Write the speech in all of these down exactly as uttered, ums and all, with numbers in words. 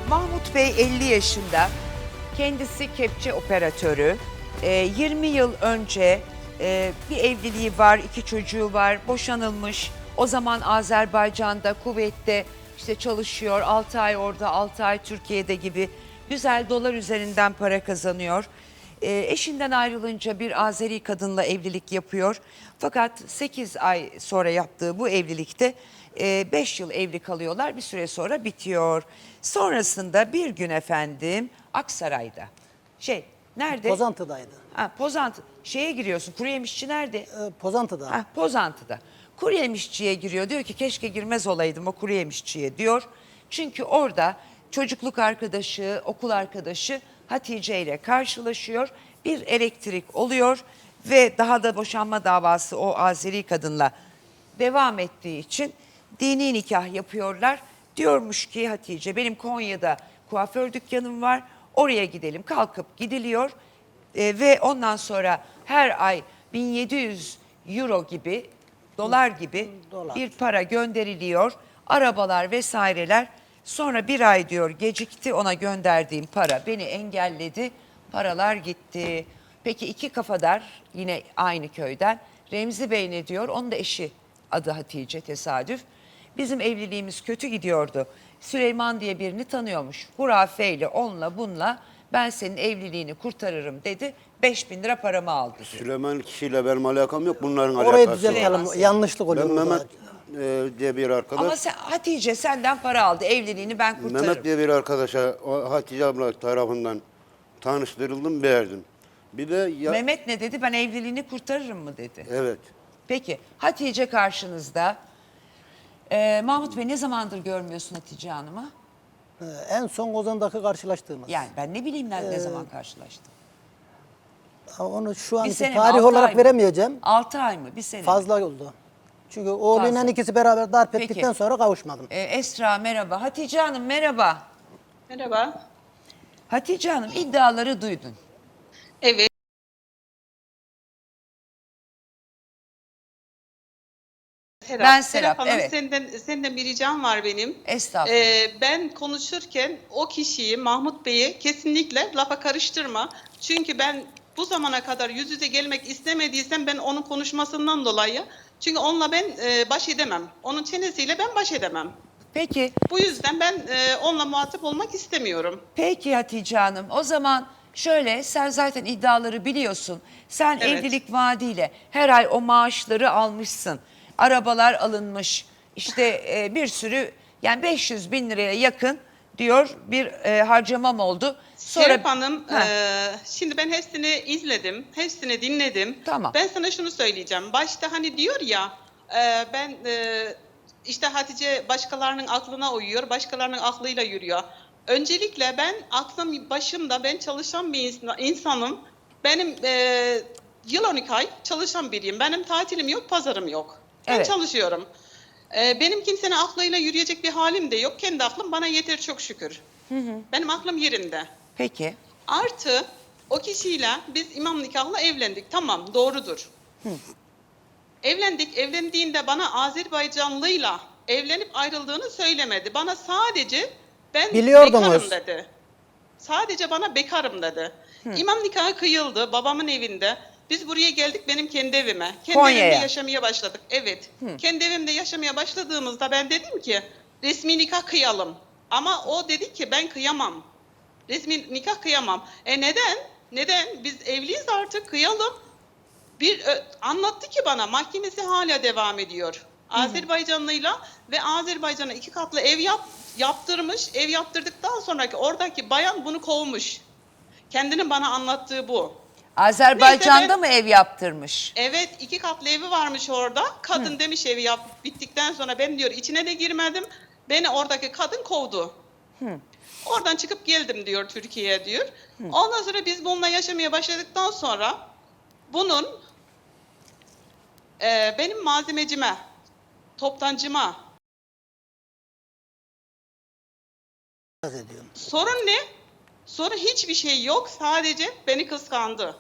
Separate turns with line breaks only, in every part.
Mahmut Bey elli yaşında, kendisi kepçe operatörü. Ee, yirmi yıl önce e, bir evliliği var, iki çocuğu var, boşanılmış. O zaman Azerbaycan'da, kuvvette işte çalışıyor, altı ay orada, altı ay Türkiye'de gibi güzel dolar üzerinden para kazanıyor. Ee, eşinden ayrılınca bir Azeri kadınla evlilik yapıyor. Fakat sekiz ay sonra yaptığı bu evlilikte beş yıl evli kalıyorlar. Bir süre sonra bitiyor. Sonrasında bir gün efendim Aksaray'da. Şey nerede?
Pozantı'daydı.
Ha, Pozantı. Şeye giriyorsun. Kuru yemişçi nerede?
Ee, Pozantı'da.
Ha, Pozantı'da. Kuru yemişçiye giriyor. Diyor ki keşke girmez olaydım o kuru yemişçiye diyor. Çünkü orada çocukluk arkadaşı, okul arkadaşı Hatice ile karşılaşıyor. Bir elektrik oluyor ve daha da boşanma davası o Azeri kadınla devam ettiği için dini nikah yapıyorlar. Diyormuş ki Hatice benim Konya'da kuaför dükkanım var. Oraya gidelim. Kalkıp gidiliyor. E, ve ondan sonra her ay bin yedi yüz euro gibi, dolar gibi
Dolar.
bir para gönderiliyor. Arabalar vesaireler. Sonra bir ay diyor gecikti, ona gönderdiğim para beni engelledi. Paralar gitti. Peki iki kafadar yine aynı köyden Remzi Bey ne diyor? Onun da eşi adı Hatice, tesadüf. Bizim evliliğimiz kötü gidiyordu. Süleyman diye birini tanıyormuş. Hurafeyle, onunla bunla ben senin evliliğini kurtarırım dedi. beş bin lira paramı aldı diyor.
Süleyman kişiyle benim alakam yok. Bunların
Orayı
alakası var.
düzeltelim. Yanlışlık oluyor.
Ben
burada.
Mehmet e, diye bir arkadaş.
Ama sen, Hatice senden para aldı, evliliğini ben kurtarırım.
Mehmet diye bir arkadaşa o Hatice abla tarafından tanıştırıldım, beğendim. Bir de ya,
Mehmet ne dedi? Ben evliliğini kurtarırım mı dedi.
evet.
Peki Hatice karşınızda. Ee, Mahmut Bey ne zamandır görmüyorsun Hatice Hanım'ı?
Ee, en son Ozan'daki karşılaştığımız.
Yani ben ne bileyim ne, ne zaman karşılaştım.
Onu şu an
Bir sene mi,
tarih
altı ay
olarak
mı?
veremeyeceğim.
altı ay mı? Bir sene mi?
Fazla oldu. Çünkü oğluyla
Fazla.
ikisi beraber darp
Peki.
ettikten sonra kavuşmadım.
Ee, Esra merhaba. Hatice Hanım merhaba.
Merhaba.
Hatice Hanım iddiaları duydun.
Evet. Serap.
Ben Serap,
Hanım,
evet.
Senden, senden bir ricam var benim.
Estağfurullah.
Ee, ben konuşurken o kişiyi, Mahmut Bey'i kesinlikle lafa karıştırma. Çünkü ben bu zamana kadar yüz yüze gelmek istemediysem ben onun konuşmasından dolayı. Çünkü onunla ben e, baş edemem. Onun çenesiyle ben baş edemem.
Peki,
Bu yüzden ben e, onunla muhatap olmak istemiyorum.
peki Hatice Hanım. O zaman şöyle, sen zaten iddiaları biliyorsun. Sen
Evet.
evlilik vaadiyle her ay o maaşları almışsın. Arabalar alınmış. İşte e, bir sürü, yani beş yüz bin liraya yakın diyor bir e, harcamam oldu. Sonra
Serap Hanım,
Ha.
e, şimdi ben hepsini izledim, hepsini dinledim.
Tamam.
Ben sana şunu söyleyeceğim. Başta hani diyor ya, e, ben e, işte Hatice başkalarının aklına uyuyor, başkalarının aklıyla yürüyor. Öncelikle ben aklım başımda, ben çalışan bir insan- insanım. Benim e, yıl on iki ay çalışan biriyim. Benim tatilim yok, pazarım yok. Ben
Evet.
çalışıyorum. E, benim kimsenin aklıyla yürüyecek bir halim de yok. Kendi aklım bana yeter çok şükür. Benim aklım yerinde.
peki.
Artı o kişiyle biz imam nikahla evlendik. Tamam, doğrudur. Evlendik. Evlendiğinde bana Azerbaycanlıyla evlenip ayrıldığını söylemedi. Bana sadece ben
Biliyordunuz.
bekarım dedi. Sadece bana bekarım dedi. İmam nikahı kıyıldı babamın evinde. Biz buraya geldik benim kendi evime. Kendi
Konya'ya.
evimde yaşamaya başladık. Evet. Kendi evimde yaşamaya başladığımızda ben dedim ki resmi nikah kıyalım. Ama o dedi ki ben kıyamam. Resmi nikah kıyamam. E neden? Neden? Biz evliyiz artık kıyalım. Bir ö, anlattı ki bana mahkemesi hala devam ediyor. Azerbaycanlıyla ve Azerbaycan'a iki katlı ev yap, yaptırmış. Ev yaptırdıktan sonraki oradaki bayan bunu kovmuş. Kendinin bana anlattığı bu.
Azerbaycan'da
Neyse ben-
mı ev yaptırmış?
Evet, iki katlı evi varmış orada. Kadın demiş evi yap bittikten sonra ben diyor içine de girmedim. Beni oradaki kadın kovdu. Oradan çıkıp geldim diyor Türkiye'ye diyor. Ondan sonra biz bununla yaşamaya başladıktan sonra bunun e, benim malzemecime, toptancıma
Ediyorum.
sorun ne? Sorun hiçbir şey yok. Sadece beni kıskandı.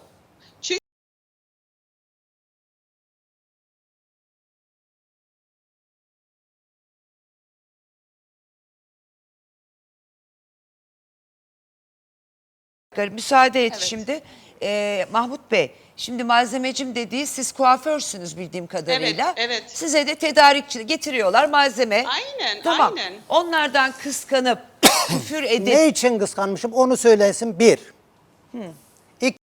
Müsaade et
Evet.
şimdi. Ee, Mahmut Bey, şimdi malzemecim dediği siz kuaförsünüz bildiğim kadarıyla.
Evet, evet.
Size de tedarikçi getiriyorlar malzeme.
Aynen,
Tamam.
aynen.
Onlardan kıskanıp küfür edip
Ne için kıskanmışım onu söylesin bir. İki.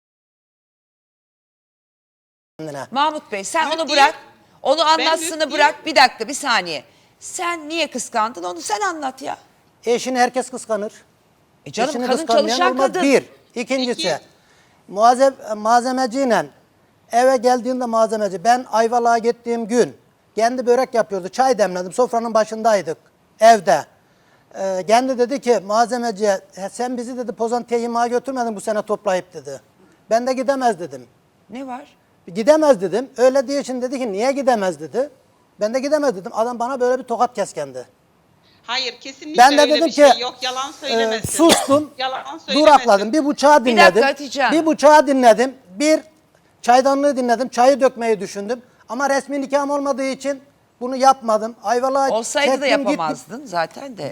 Kendine.
Mahmut Bey sen
Yok
onu
değil.
bırak. Onu anlatsını
yok
bırak. Bir dakika bir saniye. Sen niye kıskandın onu sen anlat ya.
Eşini herkes kıskanır.
E canım
Eşini
kadın
kıskanmayan
çalışan
olmaz.
kadın.
Bir. İkincisi
İki.
muazzem, malzemeciyle eve geldiğinde malzemeci ben Ayvalık'a gittiğim gün kendi börek yapıyordu. Çay demledim. Sofranın başındaydık evde. Ee, kendi dedi ki malzemeciye "He, sen bizi dedi Pozantı'ya yemeğe götürmedin bu sene toplayıp dedi. Ben de gidemez dedim.
Ne var?
Gidemez dedim. Öyle diye için dedi ki niye gidemez dedi. Ben de gidemez dedim. Adam bana böyle bir tokat keskendi.
Hayır, kesinlikle
Ben de
öyle
dedim
bir şey
ki,
yok. Yalan
Ee,
söylemesin.
sustum.
Yalan söylemesin.
Durakladım. Bir bıçağı
Bir
dinledim.
dakika Hatice Hanım.
Bir bıçağı dinledim. Bir çaydanlığı dinledim. Çayı dökmeyi düşündüm. Ama resmi nikahım olmadığı için bunu yapmadım. Ayvalık'a
Olsaydı da
çektim, gittim.
yapamazdın zaten de.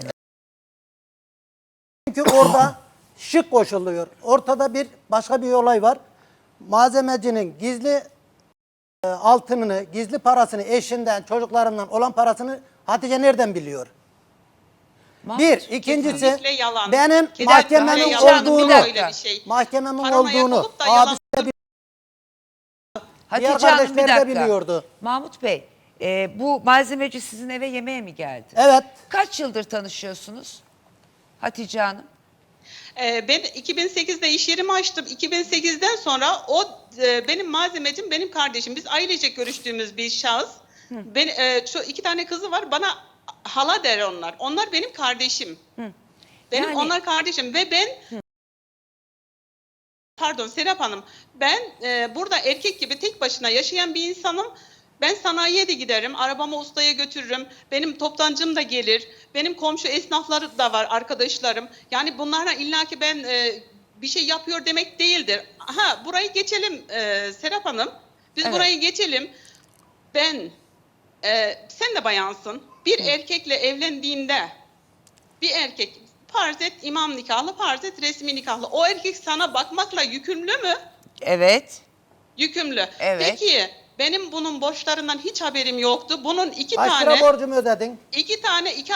Çünkü orada şık koşuluyor. Ortada bir başka bir olay var. Malzemecinin gizli e, altınını, gizli parasını eşinden, çocuklarından olan parasını Hatice nereden biliyor?
Mahmut,
Bir, ikincisi
Kesinlikle yalan.
benim
Kesinlikle
mahkememin
yalan. Bir
olduğunu,
dakika. Bir şey.
mahkememin
Paranoyak
olduğunu
olup da yalan-
abisi de
Hatice
diğer
Hanım bir
kardeşler de
dakika.
biliyordu.
Mahmut Bey, e, bu malzemeci sizin eve yemeğe mi geldi?
Evet.
Kaç yıldır tanışıyorsunuz Hatice Hanım?
Ee, ben iki bin sekizde iş yerimi açtım. iki bin sekizden sonra o e, benim malzemecim, benim kardeşim. Biz ailecek görüştüğümüz bir şahıs. Ben, e, şu iki tane kızı var. Bana hala der onlar. Onlar benim kardeşim. Benim
Yani-
onlar kardeşim ve ben pardon Serap Hanım, ben e, burada erkek gibi tek başına yaşayan bir insanım. Ben sanayiye de giderim, arabamı ustaya götürürüm, benim toptancım da gelir, benim komşu esnafları da var, arkadaşlarım. Yani bunlarla illaki ben e, bir şey yapıyor demek değildir. Ha, burayı geçelim e, Serap Hanım, biz
Evet.
burayı geçelim. Ben, e, sen de bayansın, bir erkekle evlendiğinde, bir erkek farz et imam nikahlı, farz et resmi nikahlı. O erkek sana bakmakla yükümlü mü?
Evet.
Yükümlü.
Evet.
Peki benim bunun borçlarından hiç haberim yoktu. Bunun iki
Kaç
tane,
lira borcumu ödedin?
iki tane, iki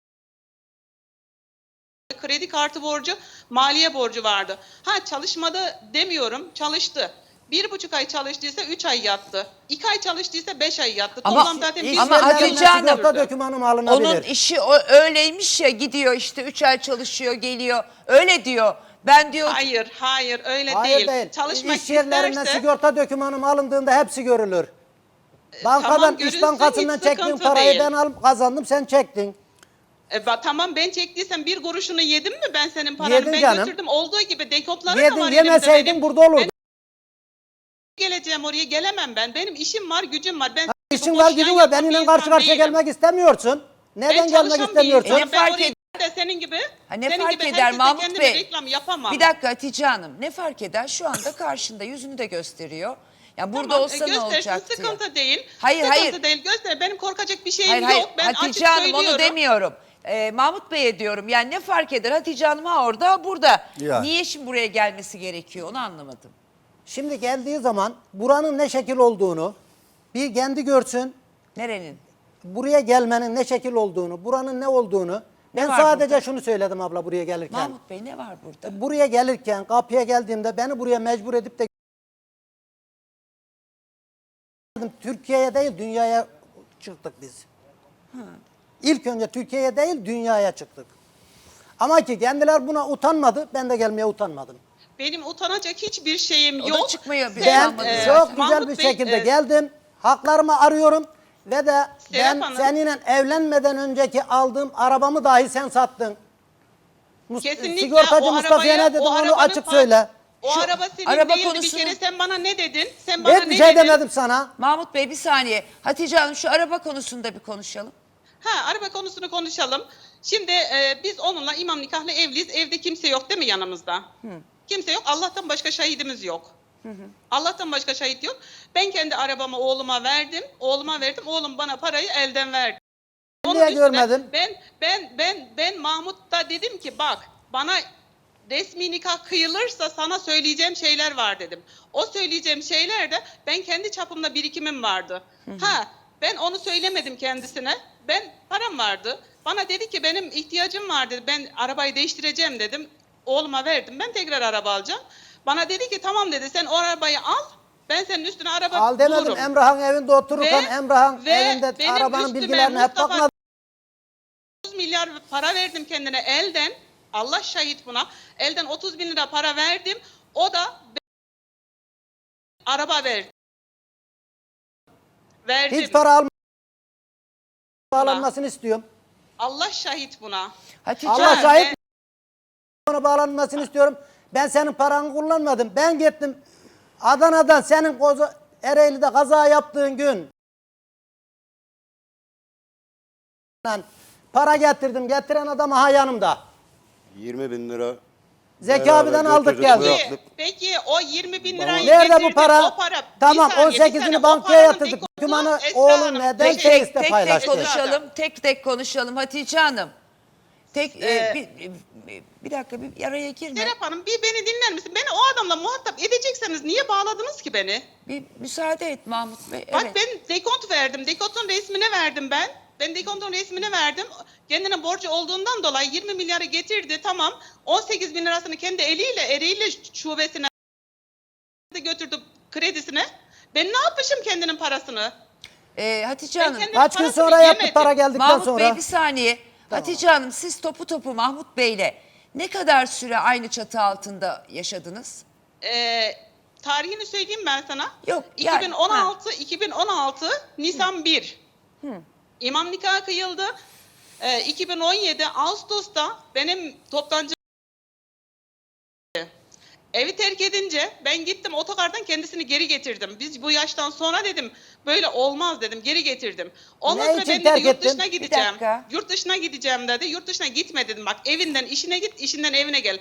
kredi kartı borcu, maliye borcu vardı. Ha çalışmadı demiyorum, çalıştı. Bir buçuk ay çalıştıysa üç ay yattı. İki ay çalıştıysa beş ay yattı.
Ama-
Toplam zaten bir
Ama
sene
Hatice
çalıştı.
Hanım-
sigorta dokümanım alınabilir.
Onun işi o, öyleymiş ya gidiyor işte üç ay çalışıyor geliyor. Öyle diyor. Ben diyor
Hayır, hayır öyle
Hayır
değil.
değil.
Çalışmak
İş yerlerinden
isterse
sigorta dokümanım alındığında hepsi görülür. Bankadan,
tamam,
İş
görülsün,
Bankası'ndan
hiç
çektiğin
sıkıntı
parayı
değil.
ben alıp kazandım, sen çektin.
E, ba- tamam ben çektiysem bir kuruşunu yedim mi ben senin paranı?
Yedin
ben
canım.
götürdüm. Olduğu gibi dekopları da
Yedin,
var
yemeseydin
elimde benim.
burada olurdu.
Ben geleceğim oraya gelemem ben. Benim işim var, gücüm var. Ben
İşin
bu
var,
boş
gücün
yan
var.
yapan
Benimle
bir
karşı
insan
karşıya
değilim.
gelmek istemiyorsun. Neden
Ben
gelmek
çalışan bir
istemiyorsun?
insanım.
Ne
Ben
fark
oraya
ed-
de senin gibi,
Ha, ne
senin
fark
gibi
eder
herkese
Mahmut
kendime
Bey?
reklam yapamam.
Bir dakika Hatice Hanım ne fark eder? Şu anda karşında yüzünü de gösteriyor. Ya burada
Tamam,
olsa
e,
ne
göstersin,
olacaktı ya?
sıkıntı değil.
Hayır,
sıkıntı
hayır.
değil. Göster. Benim korkacak bir şeyim
Hayır
yok.
hayır
Ben
Hatice
açık
Hanım onu
söylüyorum.
demiyorum. Ee, Mahmut Bey'e diyorum yani ne fark eder Hatice Hanım ha orada ha burada.
Yani.
Niye şimdi buraya gelmesi gerekiyor onu anlamadım.
Şimdi geldiği zaman buranın ne şekil olduğunu bir kendi görsün.
Nerenin?
Buraya gelmenin ne şekil olduğunu, buranın ne olduğunu. Ben
var
sadece
burada?
şunu söyledim abla buraya gelirken.
Mahmut Bey ne var burada?
Buraya gelirken, kapıya geldiğimde beni buraya mecbur edip de Türkiye'ye değil dünyaya çıktık biz. İlk önce Türkiye'ye değil dünyaya çıktık. Ama ki kendiler buna utanmadı, ben de gelmeye utanmadım.
Benim utanacak hiçbir şeyim
O da
yok.
çıkmıyor bir
Sen,
Ben
utanmadı
e,
çok
zaten.
güzel
Mahmut
bir
Bey,
şekilde
e,
geldim. Haklarımı arıyorum ve de ben
Hanım.
seninle evlenmeden önceki aldığım arabamı dahi sen sattın. Mus-
Kesinlikle
Sigortacı
o
Mustafa'ya
arabaya,
ne dedim
o
onu
arabanın
açık
par-
söyle.
O
Şu
araba senin
araba
değildi
konusunu-
bir kere sen bana ne dedin? Sen bana
Hiçbir
ne
şey
dedin?
demedim sana.
Mahmut Bey bir saniye. Hatice Hanım şu araba konusunda bir konuşalım.
Ha araba konusunu konuşalım. Şimdi e, biz onunla imam nikahlı evliyiz. Evde kimse yok değil mi yanımızda? Kimse yok. Allah'tan başka şahidimiz yok. Allah'tan başka şahit yok. Ben kendi arabamı oğluma verdim. Oğluma verdim. Oğlum bana parayı elden verdi. Onun
Niye
üstüne
görmedin?
Ben ben ben ben ben Mahmut'ta dedim ki bak bana resmi nikah kıyılırsa sana söyleyeceğim şeyler var dedim. O söyleyeceğim şeyler de ben kendi çapımda birikimim vardı. Ha ben onu söylemedim kendisine. Ben param vardı. Bana dedi ki benim ihtiyacım var dedi. Ben arabayı değiştireceğim dedim. Oğluma verdim. Ben tekrar araba alacağım. Bana dedi ki tamam dedi sen o arabayı al. Ben senin üstüne araba
Al demedim.
bulurum.
Emrah'ın evinde otururken
Ve-
Emrah'ın
ve
evinde
benim
arabanın
üstüme
bilgilerini hep
Mustafa-
bakmadım.
otuz milyar para verdim kendine elden. Allah şahit buna. Elden otuz bin lira para verdim. O da araba verdi. Verdim.
Hiç para almadım. Bağlanmasını istiyorum.
Allah şahit buna.
Hatice
Allah
Hanım,
şahit
ben-
ona bağlanmasını istiyorum. Ben senin paranı kullanmadım. Ben gittim Adana'dan senin koza, Ereğli'de kaza yaptığın gün Lan, para getirdim. Getiren adam aha yanımda.
yirmi bin lira.
Zeki
beraber
abiden aldık
götürdük,
geldik.
bıraktık.
Peki, peki o yirmi bin lirayı
Nerede bu
getirdim,
para?
O para
Tamam,
bir saniye,
on
bir
sekizini
saniye. O
bankaya
paranın
yatırdık.
dekodu
Dokümanı
Esra
oğlum
Hanım,
neden
tek-
tek
Face'te
tek, tek tek
paylaştı?
konuşalım. Tek tek konuşalım Hatice Hanım. Tek e,
Ee,
bir, bir, bir dakika bir araya girme.
Serap Hanım bir beni dinler misin? Beni o adamla muhatap edecekseniz niye bağladınız ki beni?
Bir müsaade et Mahmut Bey.
Bak
Evet.
ben dekont verdim. Dekontun resmini verdim ben. Ben dekontun resmini verdim. Kendine borcu olduğundan dolayı yirmi milyarı getirdi. Tamam. on sekiz bin lirasını kendi eliyle Ereğli şubesine götürdü kredisine. Ben ne yapmışım kendinin parasını?
Ee, Hatice
Ben
Hanım.
kendim-
Kaç gün
Parasını
sonra yaptı
yemedim.
para geldikten
Mahmut
sonra?
Bey bir saniye. Hatice Hanım siz topu topu Mahmut Bey'le ne kadar süre aynı çatı altında yaşadınız?
Ee, tarihini söyleyeyim ben sana.
Yok, yani-
iki bin on altı iki bin on altı Nisan bir. İmam nikahı kıyıldı. Ee, iki bin on yedi Ağustos'ta benim toptancı evi terk edince ben gittim otogardan kendisini geri getirdim. Biz bu yaştan sonra dedim böyle olmaz dedim geri getirdim. Ondan
Ne
sonra
için
ben dedi
terk
yurt
ettin?
dışına
Bir
gideceğim.
dakika.
Yurt dışına gideceğim dedi. Yurt dışına gitme dedim. Bak evinden işine git, işinden evine gel.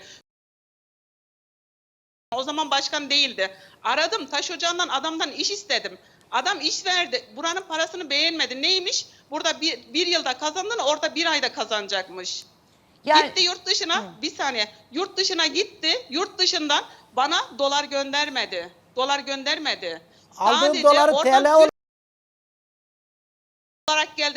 O zaman başkan değildi. Aradım taş ocağından adamdan iş istedim. Adam iş verdi. Buranın parasını beğenmedi. Neymiş? Burada bir, bir yılda kazandığını orada bir ayda kazanacakmış.
Yani
Gitti yurt dışına. Bir saniye. Yurt dışına gitti. Yurt dışından bana dolar göndermedi. Dolar göndermedi.
Aldığım
Sadece
doları
oradan
T L olarak
olarak geldi.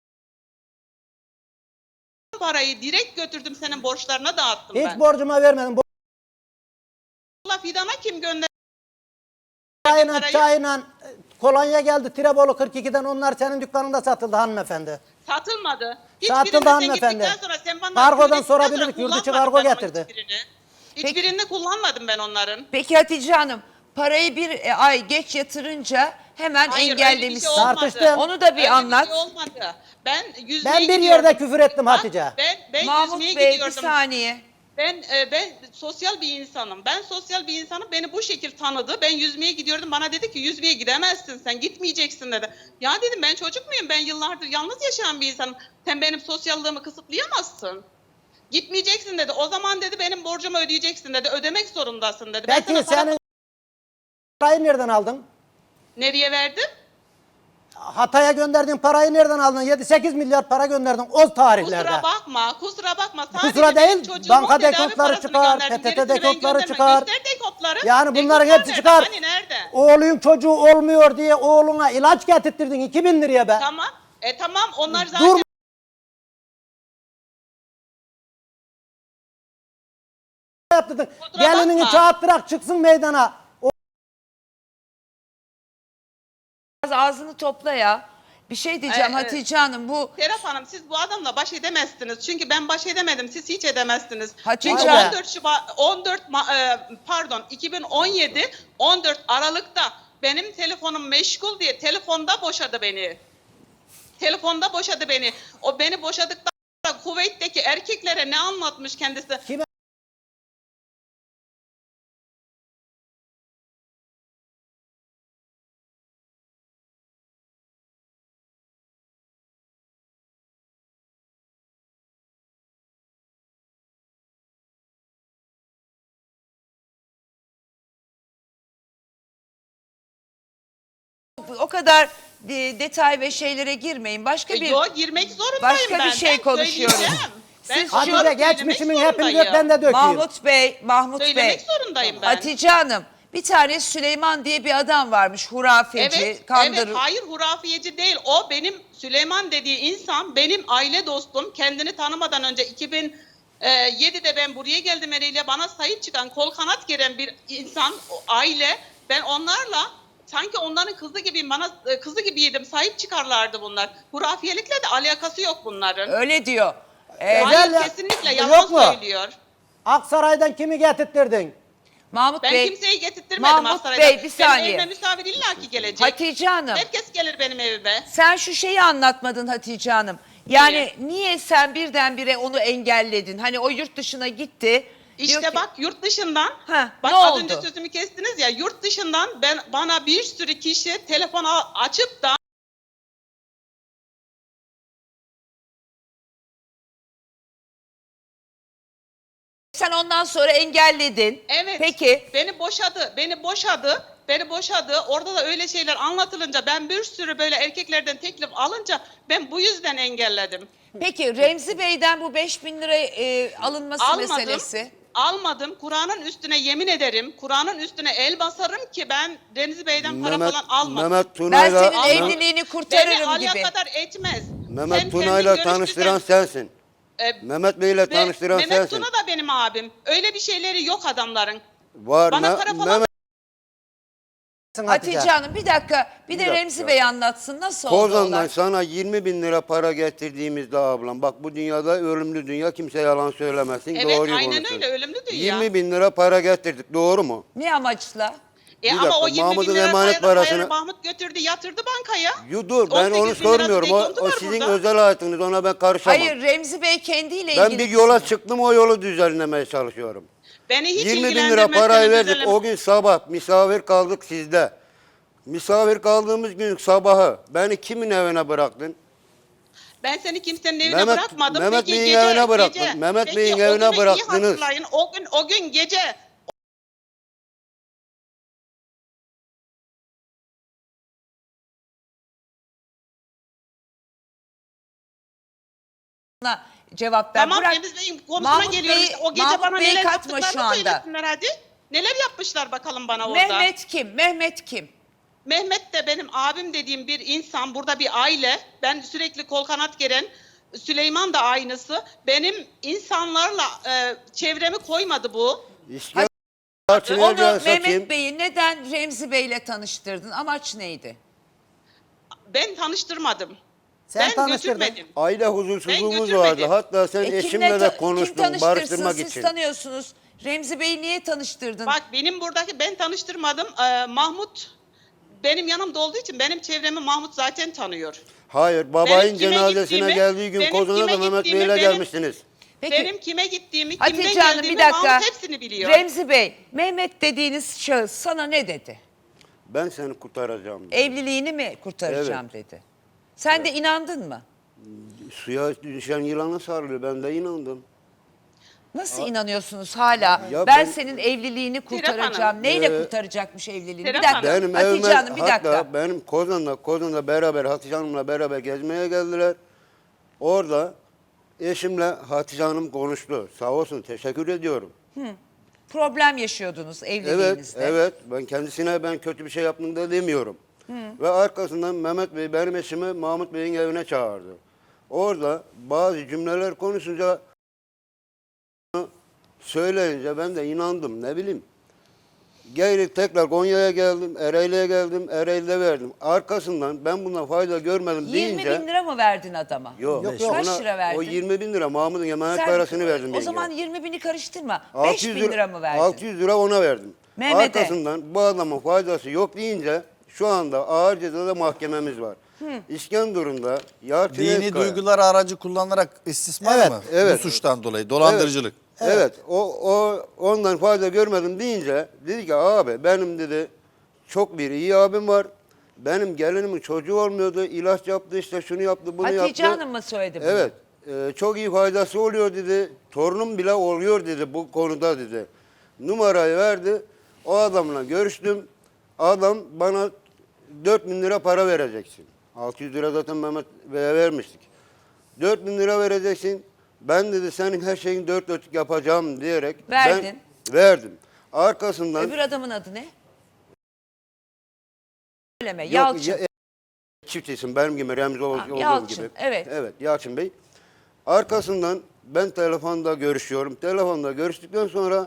Parayı direkt götürdüm senin borçlarına dağıttım
hiç
ben.
borcuma vermedim.
Allah fidana kim gönderdi?
Çayla
parayı?
çayla e, kolonya geldi Tirebolu kırk ikiden onlar senin dükkanında satıldı hanımefendi.
Satılmadı.
Satıldı
Hiçbirinde sen
hanımefendi.
gittikten sonra sen bana
Kargodan
öğrettikten
sorabilirdik,
sonra
yurt dışı
kullanmadım
kargo
ben onun
getirdi.
Hiçbirini. Hiçbirini kullanmadım ben onların.
peki Hatice Hanım parayı bir e, ay geç yatırınca hemen
Hayır, öyle bir
engellemiş.
şey olmadı.
Tartıştım.
Onu da bir
Öyle
anlat.
şey olmadı. Ben yüzmeye
Ben bir
gidiyordum.
yerde küfür ettim
Bak,
Hatice.
Ben, ben
Mahmut
yüzmeye
Bey bir
gidiyordum.
saniye.
Ben e, ben sosyal bir insanım. Ben sosyal bir insanım. Beni bu şekil tanıdı. Ben yüzmeye gidiyordum. Bana dedi ki yüzmeye gidemezsin sen. Gitmeyeceksin dedi. Ya dedim ben çocuk muyum? Ben yıllardır yalnız yaşayan bir insanım. Sen benim sosyallığımı kısıtlayamazsın. Gitmeyeceksin dedi. O zaman dedi benim borcumu ödeyeceksin dedi. Ödemek zorundasın dedi. Ben
Peki
sana para-
senin parayı nereden aldın?
Nereye verdim?
Hatay'a gönderdiğin parayı nereden aldın? yedi sekiz milyar para gönderdin o tarihlerde.
Kusura bakma, kusura bakma. Sadece
Kusura
benim
değil,
çocuğumun
banka
tedavi
dekontları
parasını
çıkar,
gönderdim.
P T T
Gerisini ben
dekontları
göndermem.
çıkar.
Göster dekontları.
Yani bunların
Dekontlar
hepsi
nerede?
çıkar.
Hani nerede?
Oğlun çocuğu olmuyor diye oğluna ilaç getirttirdin iki bin liraya be.
Tamam. E tamam onlar zaten
Dur. Yaptırdın.
Kusura
Gelinini
bakma.
çağırttırak çıksın meydana. O
Biraz ağzını topla ya. Bir şey diyeceğim
Ee, evet.
Hatice Hanım bu
Serap Hanım siz bu adamla baş edemezsiniz. Çünkü ben baş edemedim. Siz hiç edemezsiniz.
Hatice
Çünkü
Hanım.
on dört Şubat on dört Ma- e, pardon iki bin on yedi on dört Aralık'ta benim telefonum meşgul diye telefonda boşadı beni. Telefonda boşadı beni. O beni boşadıktan sonra Kuveyt'teki erkeklere ne anlatmış kendisi?
Kime?
o kadar e, detay ve şeylere girmeyin. Başka bir
Yok girmek zorundayım
başka
ben.
bir şey
Ben
konuşuyoruz.
söyleyeceğim. Ben
Siz
onları
şu-
Hatice
söylemek
geçmişimin hepini dök,
zorundayım.
ben de dökeyim.
Mahmut Bey, Mahmut
Söylemek
Bey.
zorundayım ben.
Hatice Hanım, bir tane Süleyman diye bir adam varmış, hurafeci,
Evet,
kandırır.
evet, hayır hurafiyeci değil. O benim Süleyman dediği insan benim aile dostum. Kendini tanımadan önce iki bin yedide ben buraya geldim eliyle bana sahip çıkan, kol kanat geren bir insan, o aile. Ben onlarla sanki onların kızı gibiyim, bana e, kızı gibiydim, sahip çıkarlardı bunlar. Hurafiyelikle de alakası yok bunların.
Öyle diyor. Ee,
Hayır,
Özel ya-
kesinlikle
Yok
yalan
mu?
söylüyor.
Aksaray'dan kimi getirttirdin?
Mahmut
Ben
Bey,
kimseyi getirtmedim
Mahmut
Aksaray'dan.
Bey, bir saniye.
Benim evime misafir illaki gelecek.
Hatice Hanım,
Herkes gelir benim evime.
sen şu şeyi anlatmadın Hatice Hanım. Yani
Niye?
niye sen birdenbire onu engelledin? Hani o yurt dışına gitti. diyor
İşte
ki-
bak yurt dışından,
Ha,
bak
ne
az
oldu?
önce sözümü kestiniz ya, yurt dışından ben bana bir sürü kişi telefon a- açıp da
Sen ondan sonra engelledin.
evet
Peki.
beni boşadı, beni boşadı, beni boşadı. Orada da öyle şeyler anlatılınca ben bir sürü böyle erkeklerden teklif alınca ben bu yüzden engelledim.
Peki Remzi Bey'den bu beş bin lira e, alınması
Almadım.
meselesi.
Almadım. Kur'an'ın üstüne yemin ederim. Kur'an'ın üstüne el basarım ki ben Remzi Bey'den para
Mehmet,
falan almadım.
Mehmet
Ben
Tuna'yla
senin
Almadım.
evliliğini
Beni
kurtarırım
alaya
gibi.
kadar etmez.
Mehmet
Sen
Tuna'yla
kendin
tanıştıran
görüştürsen-
sensin.
E,
Mehmet Bey'le
Ve
tanıştıran
Mehmet
sensin.
Tuna da benim abim. Öyle bir şeyleri yok adamların.
Var
Bana
Me-
para falan-
Mehmet
Hatice Hanım bir dakika bir de
dakika.
Remzi Bey anlatsın nasıl oldu
Kozan'dan
olay?
sana yirmi bin lira para getirdiğimizde ablam, bak bu dünyada ölümlü dünya, kimse yalan söylemesin,
Evet
doğruyu
aynen
konuşsun.
öyle, ölümlü dünya.
yirmi bin lira para getirdik, doğru mu?
Ne amaçla?
E
Bir
ama
dakika,
o yirmi bin
Mahmut'un
lira
emanet
para-
parasını-
para Mahmut götürdü yatırdı bankaya.
Yo, dur ben
on sekiz
onu
bin lirası
sormuyorum, o,
dekontu
o
var
sizin
burada.
özel hayatınız, ona ben karışamam.
Hayır Remzi Bey kendiyle
Ben
ilgili.
bir yola çıktım, o yolu düzenlemeye çalışıyorum.
Beni hiç
yirmi bin lira
ilgilendirmez
parayı
senin
verdik,
düzenleme-
o gün sabah misafir kaldık sizde. Misafir kaldığımız gün sabahı beni kimin evine bıraktın?
Ben seni kimsenin evine
Mehmet-
bırakmadım.
Mehmet
Peki
Bey'in
gece,
evine bıraktın.
gece.
Mehmet
Peki,
Bey'in
o
evine
günü iyi
bıraktınız.
hatırlayın. O gün, o gün gece
cevap ver.
tamam
Bırak.
Remzi Bey'in konusuna
Mahmut
geliyorum.
Bey-
İşte o gece
Mahmut
bana
Bey'i
neler
katma şu
yaptıklarını
anda.
söylesinler hadi. Neler yapmışlar bakalım bana orada.
Mehmet kim? Mehmet kim?
Mehmet de benim abim dediğim bir insan, burada bir aile. Ben sürekli kol kanat geren, Süleyman da aynısı. Benim insanlarla e, çevremi koymadı bu.
İşte
Onu
Çin'e
Mehmet
kim?
Bey'i neden Remzi Bey'le tanıştırdın? Amaç neydi?
Ben tanıştırmadım.
Sen
ben
tanıştırdın.
götürmedim.
Aile huzursuzluğumuz
götürmedim.
vardı. Hatta sen
E, kimle
eşimle
ta-
de
kim
konuştun
tanıştırsın?
barıştırmak
Siz
için.
tanıyorsunuz. Remzi Bey'i niye tanıştırdın?
Bak benim buradaki ben tanıştırmadım. Ee, Mahmut benim yanımda olduğu için benim çevremi Mahmut zaten tanıyor.
Hayır, babayın
Benim kime
cenazesine
gittiğimi-
geldiği gün
benim
Kozan'a
kime
da Mehmet
gittiğimi,
Bey'le
benim-
gelmiştiniz.
Peki
Benim kime gittiğimi, kimden
Hatice Hanım
geldiğimi
bir dakika.
Mahmut hepsini biliyor.
Remzi Bey, Mehmet dediğiniz şahıs sana ne dedi?
Ben seni kurtaracağım. dedi.
Evliliğini mi kurtaracağım dedi. Sen de inandın mı?
Suya düşen yılana sarılıyor. Ben de inandım.
Nasıl inanıyorsunuz hala?
Ya
ben,
ben-
senin evliliğini
Serap
kurtaracağım.
Hanım.
Neyle
Ee,
kurtaracakmış evliliğini?
Serap
bir dakika.
Hanım.
Benim
Hatice
evime
Hanım bir dakika.
hatta benim Kozan'da Kozan'da beraber Hatice Hanım'la beraber gezmeye geldiler. Orada eşimle Hatice Hanım konuştu. Sağ olsun, teşekkür ediyorum.
Problem yaşıyordunuz
Evet,
evliliğinizde.
evet. Ben kendisine ben kötü bir şey yaptım da demiyorum. Ve arkasından Mehmet Bey benim eşimi Mahmut Bey'in evine çağırdı. Orada bazı cümleler konuşunca söyleyince ben de inandım, ne bileyim. Gelip tekrar Konya'ya geldim, Ereğli'ye geldim, Ereğli'de verdim. Arkasından ben bundan fayda görmedim
yirmi
deyince...
bin lira mı verdin adama?
Yok,
Yok, yok.
Kaç
ona-
lira verdin?
O yirmi bin lira Mahmut'un emanet
Sen-
parasını verdim.
O
yenge.
zaman yirmi bini karıştırma.
altı
beş
yüz
bin lira mı verdin?
altı yüz lira ona verdim.
Mehmet'e.
Arkasından bu adamın faydası yok deyince şu anda ağır cezada mahkememiz var. İskenderun'da Yalçın
Dini
Eskaya-
duyguları aracı kullanarak istismar
Evet,
mı?
evet.
Bu suçtan dolayı dolandırıcılık.
Evet, o, o ondan fayda görmedim deyince dedi ki abi benim dedi çok bir iyi abim var. Benim gelinimin çocuğu olmuyordu. İlaç yaptı işte şunu yaptı bunu
Hatice
yaptı.
Hanım mı söyledi bunu?
Evet. e, çok iyi faydası oluyor dedi. Torunum bile oluyor dedi bu konuda dedi. Numarayı verdi. O adamla görüştüm. Adam bana dört bin lira para vereceksin. altı yüz lira zaten Mehmet Bey'e vermiştik. dört bin lira vereceksin. Ben dedi senin her şeyin dört dörtlük yapacağım diyerek
Verdin.
ben verdim. Arkasından
Öbür adamın adı ne? Söyleme.
Yok,
Yalçın.
ya- çift isim benim gibi Remzi ol-
Ha,
olduğum
Yalçın,
gibi.
evet.
Evet Yalçın Bey. Arkasından ben telefonda görüşüyorum. Telefonda görüştükten sonra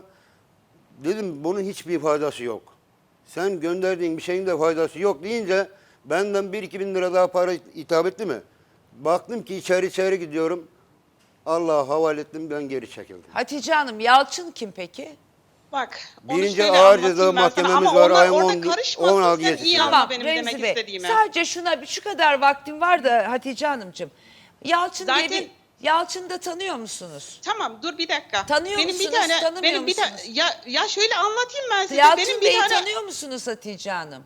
dedim bunun hiçbir faydası yok. Sen gönderdiğin bir şeyin de faydası yok deyince benden bir iki bin lira daha para hitap etti mi? Baktım ki içeri içeri gidiyorum. Allah'a havale ettim, ben geri çekildim.
Hatice Hanım, Yalçın kim peki?
Bak, onu
Birinci
şöyle
Ağır
anlatayım
Ceza
ben sana.
Mahkememiz
Ama
var,
onlar
ayın
orada
on-
karışmasın,
on altı
sen
yetisi.
iyi
Tamam,
anla benim
Remzi
demek
Bey,
istediğimi.
sadece şuna şu kadar vaktim var da Hatice Hanımcığım. Yalçın diye
Zaten-
bir, Yalçın'ı da tanıyor musunuz?
Tamam, dur bir dakika.
Tanıyor
benim
musunuz,
bir tane,
tanımıyor
benim bir ta-
musunuz?
ya ya şöyle anlatayım ben size.
Yalçın
benim bir
Bey'i
tane
tanıyor musunuz Hatice Hanım?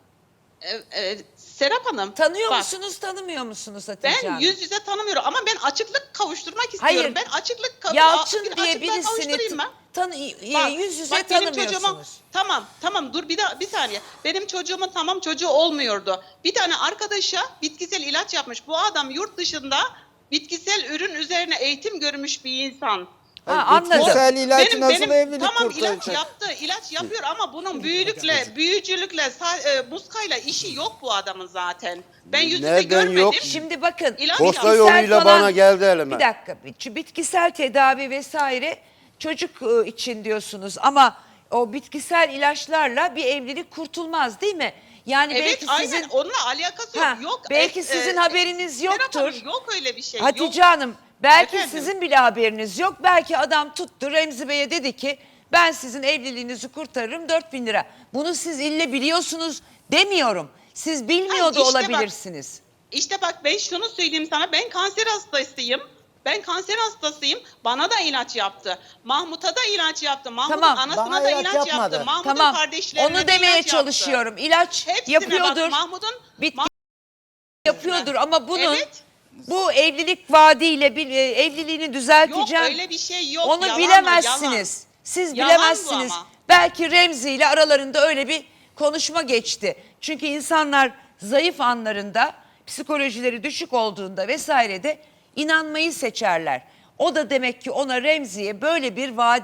e, e, Serap Hanım.
Tanıyor
bak,
musunuz, tanımıyor musunuz Hatice
Ben
Hanım?
yüz yüze tanımıyorum ama ben açıklık kavuşturmak istiyorum.
Hayır.
Ben açıklık kav-
Yalçın
bir
diye
açıklığa
birisini
kavuşturayım ben.
tanı,
Bak,
yüz yüze
bak benim
tanımıyorsunuz.
çocuğuma, tamam tamam dur bir daha bir saniye. Benim çocuğumun tamam çocuğu olmuyordu. Bir tane arkadaşa bitkisel ilaç yapmış. Bu adam yurt dışında bitkisel ürün üzerine eğitim görmüş bir insan.
Ha, anladım.
Bitkisel ilaç nasıl evlilik
tamam
kurtaracak?
ilaç yaptı, ilaç yapıyor ama bunun büyülükle, büyücülükle, sa- e, muskayla işi yok bu adamın zaten. Ben yüz yüze
Nereden
görmedim.
yok?
Şimdi bakın.
İlaç
Posta
bitkisel
yoluyla
falan-
bana geldi elime.
Bir dakika. bir- Bitkisel tedavi vesaire çocuk e, için diyorsunuz ama o bitkisel ilaçlarla bir evlilik kurtulmaz değil mi? Yani
Evet
belki
aynen
sizin
onunla alakası
Ha,
yok. yok.
belki
E,
sizin
e,
haberiniz
Serap
yoktur.
Hanım, yok öyle bir şey.
Hatice
yok.
Hanım belki
Efendim?
sizin bile haberiniz yok. Belki adam tuttu Remzi Bey'e dedi ki ben sizin evliliğinizi kurtarırım dört bin lira. Bunu siz ille biliyorsunuz demiyorum. Siz bilmiyor
Ay,
da
işte bak.
olabilirsiniz.
İşte bak ben şunu söyleyeyim sana, ben kanser hastasıyım. Ben kanser hastasıyım. Bana da ilaç yaptı. Mahmut'a da ilaç yaptı. Mahmut'un
Tamam,
anasına
bana
da
ilaç
ilaç,
yapmadı.
yaptı. Mahmut'un
Tamam.
kardeşlerine
Onu
de
demeye
ilaç
çalışıyorum.
yaptı.
İlaç
Hepsine
yapıyordur.
bak, Mahmut'un
Bitki
Mah-
yapıyordur ama bunun
Evet.
bu evlilik vaadiyle bir, e, evliliğini düzelteceğim.
Yok öyle bir şey yok.
Onu
Yalan o,
bilemezsiniz. Siz
Yalan bu
bilemezsiniz.
ama.
Belki Remzi ile aralarında öyle bir konuşma geçti. Çünkü insanlar zayıf anlarında, psikolojileri düşük olduğunda vesairede inanmayı seçerler. O da demek ki ona Remzi'ye böyle bir vaat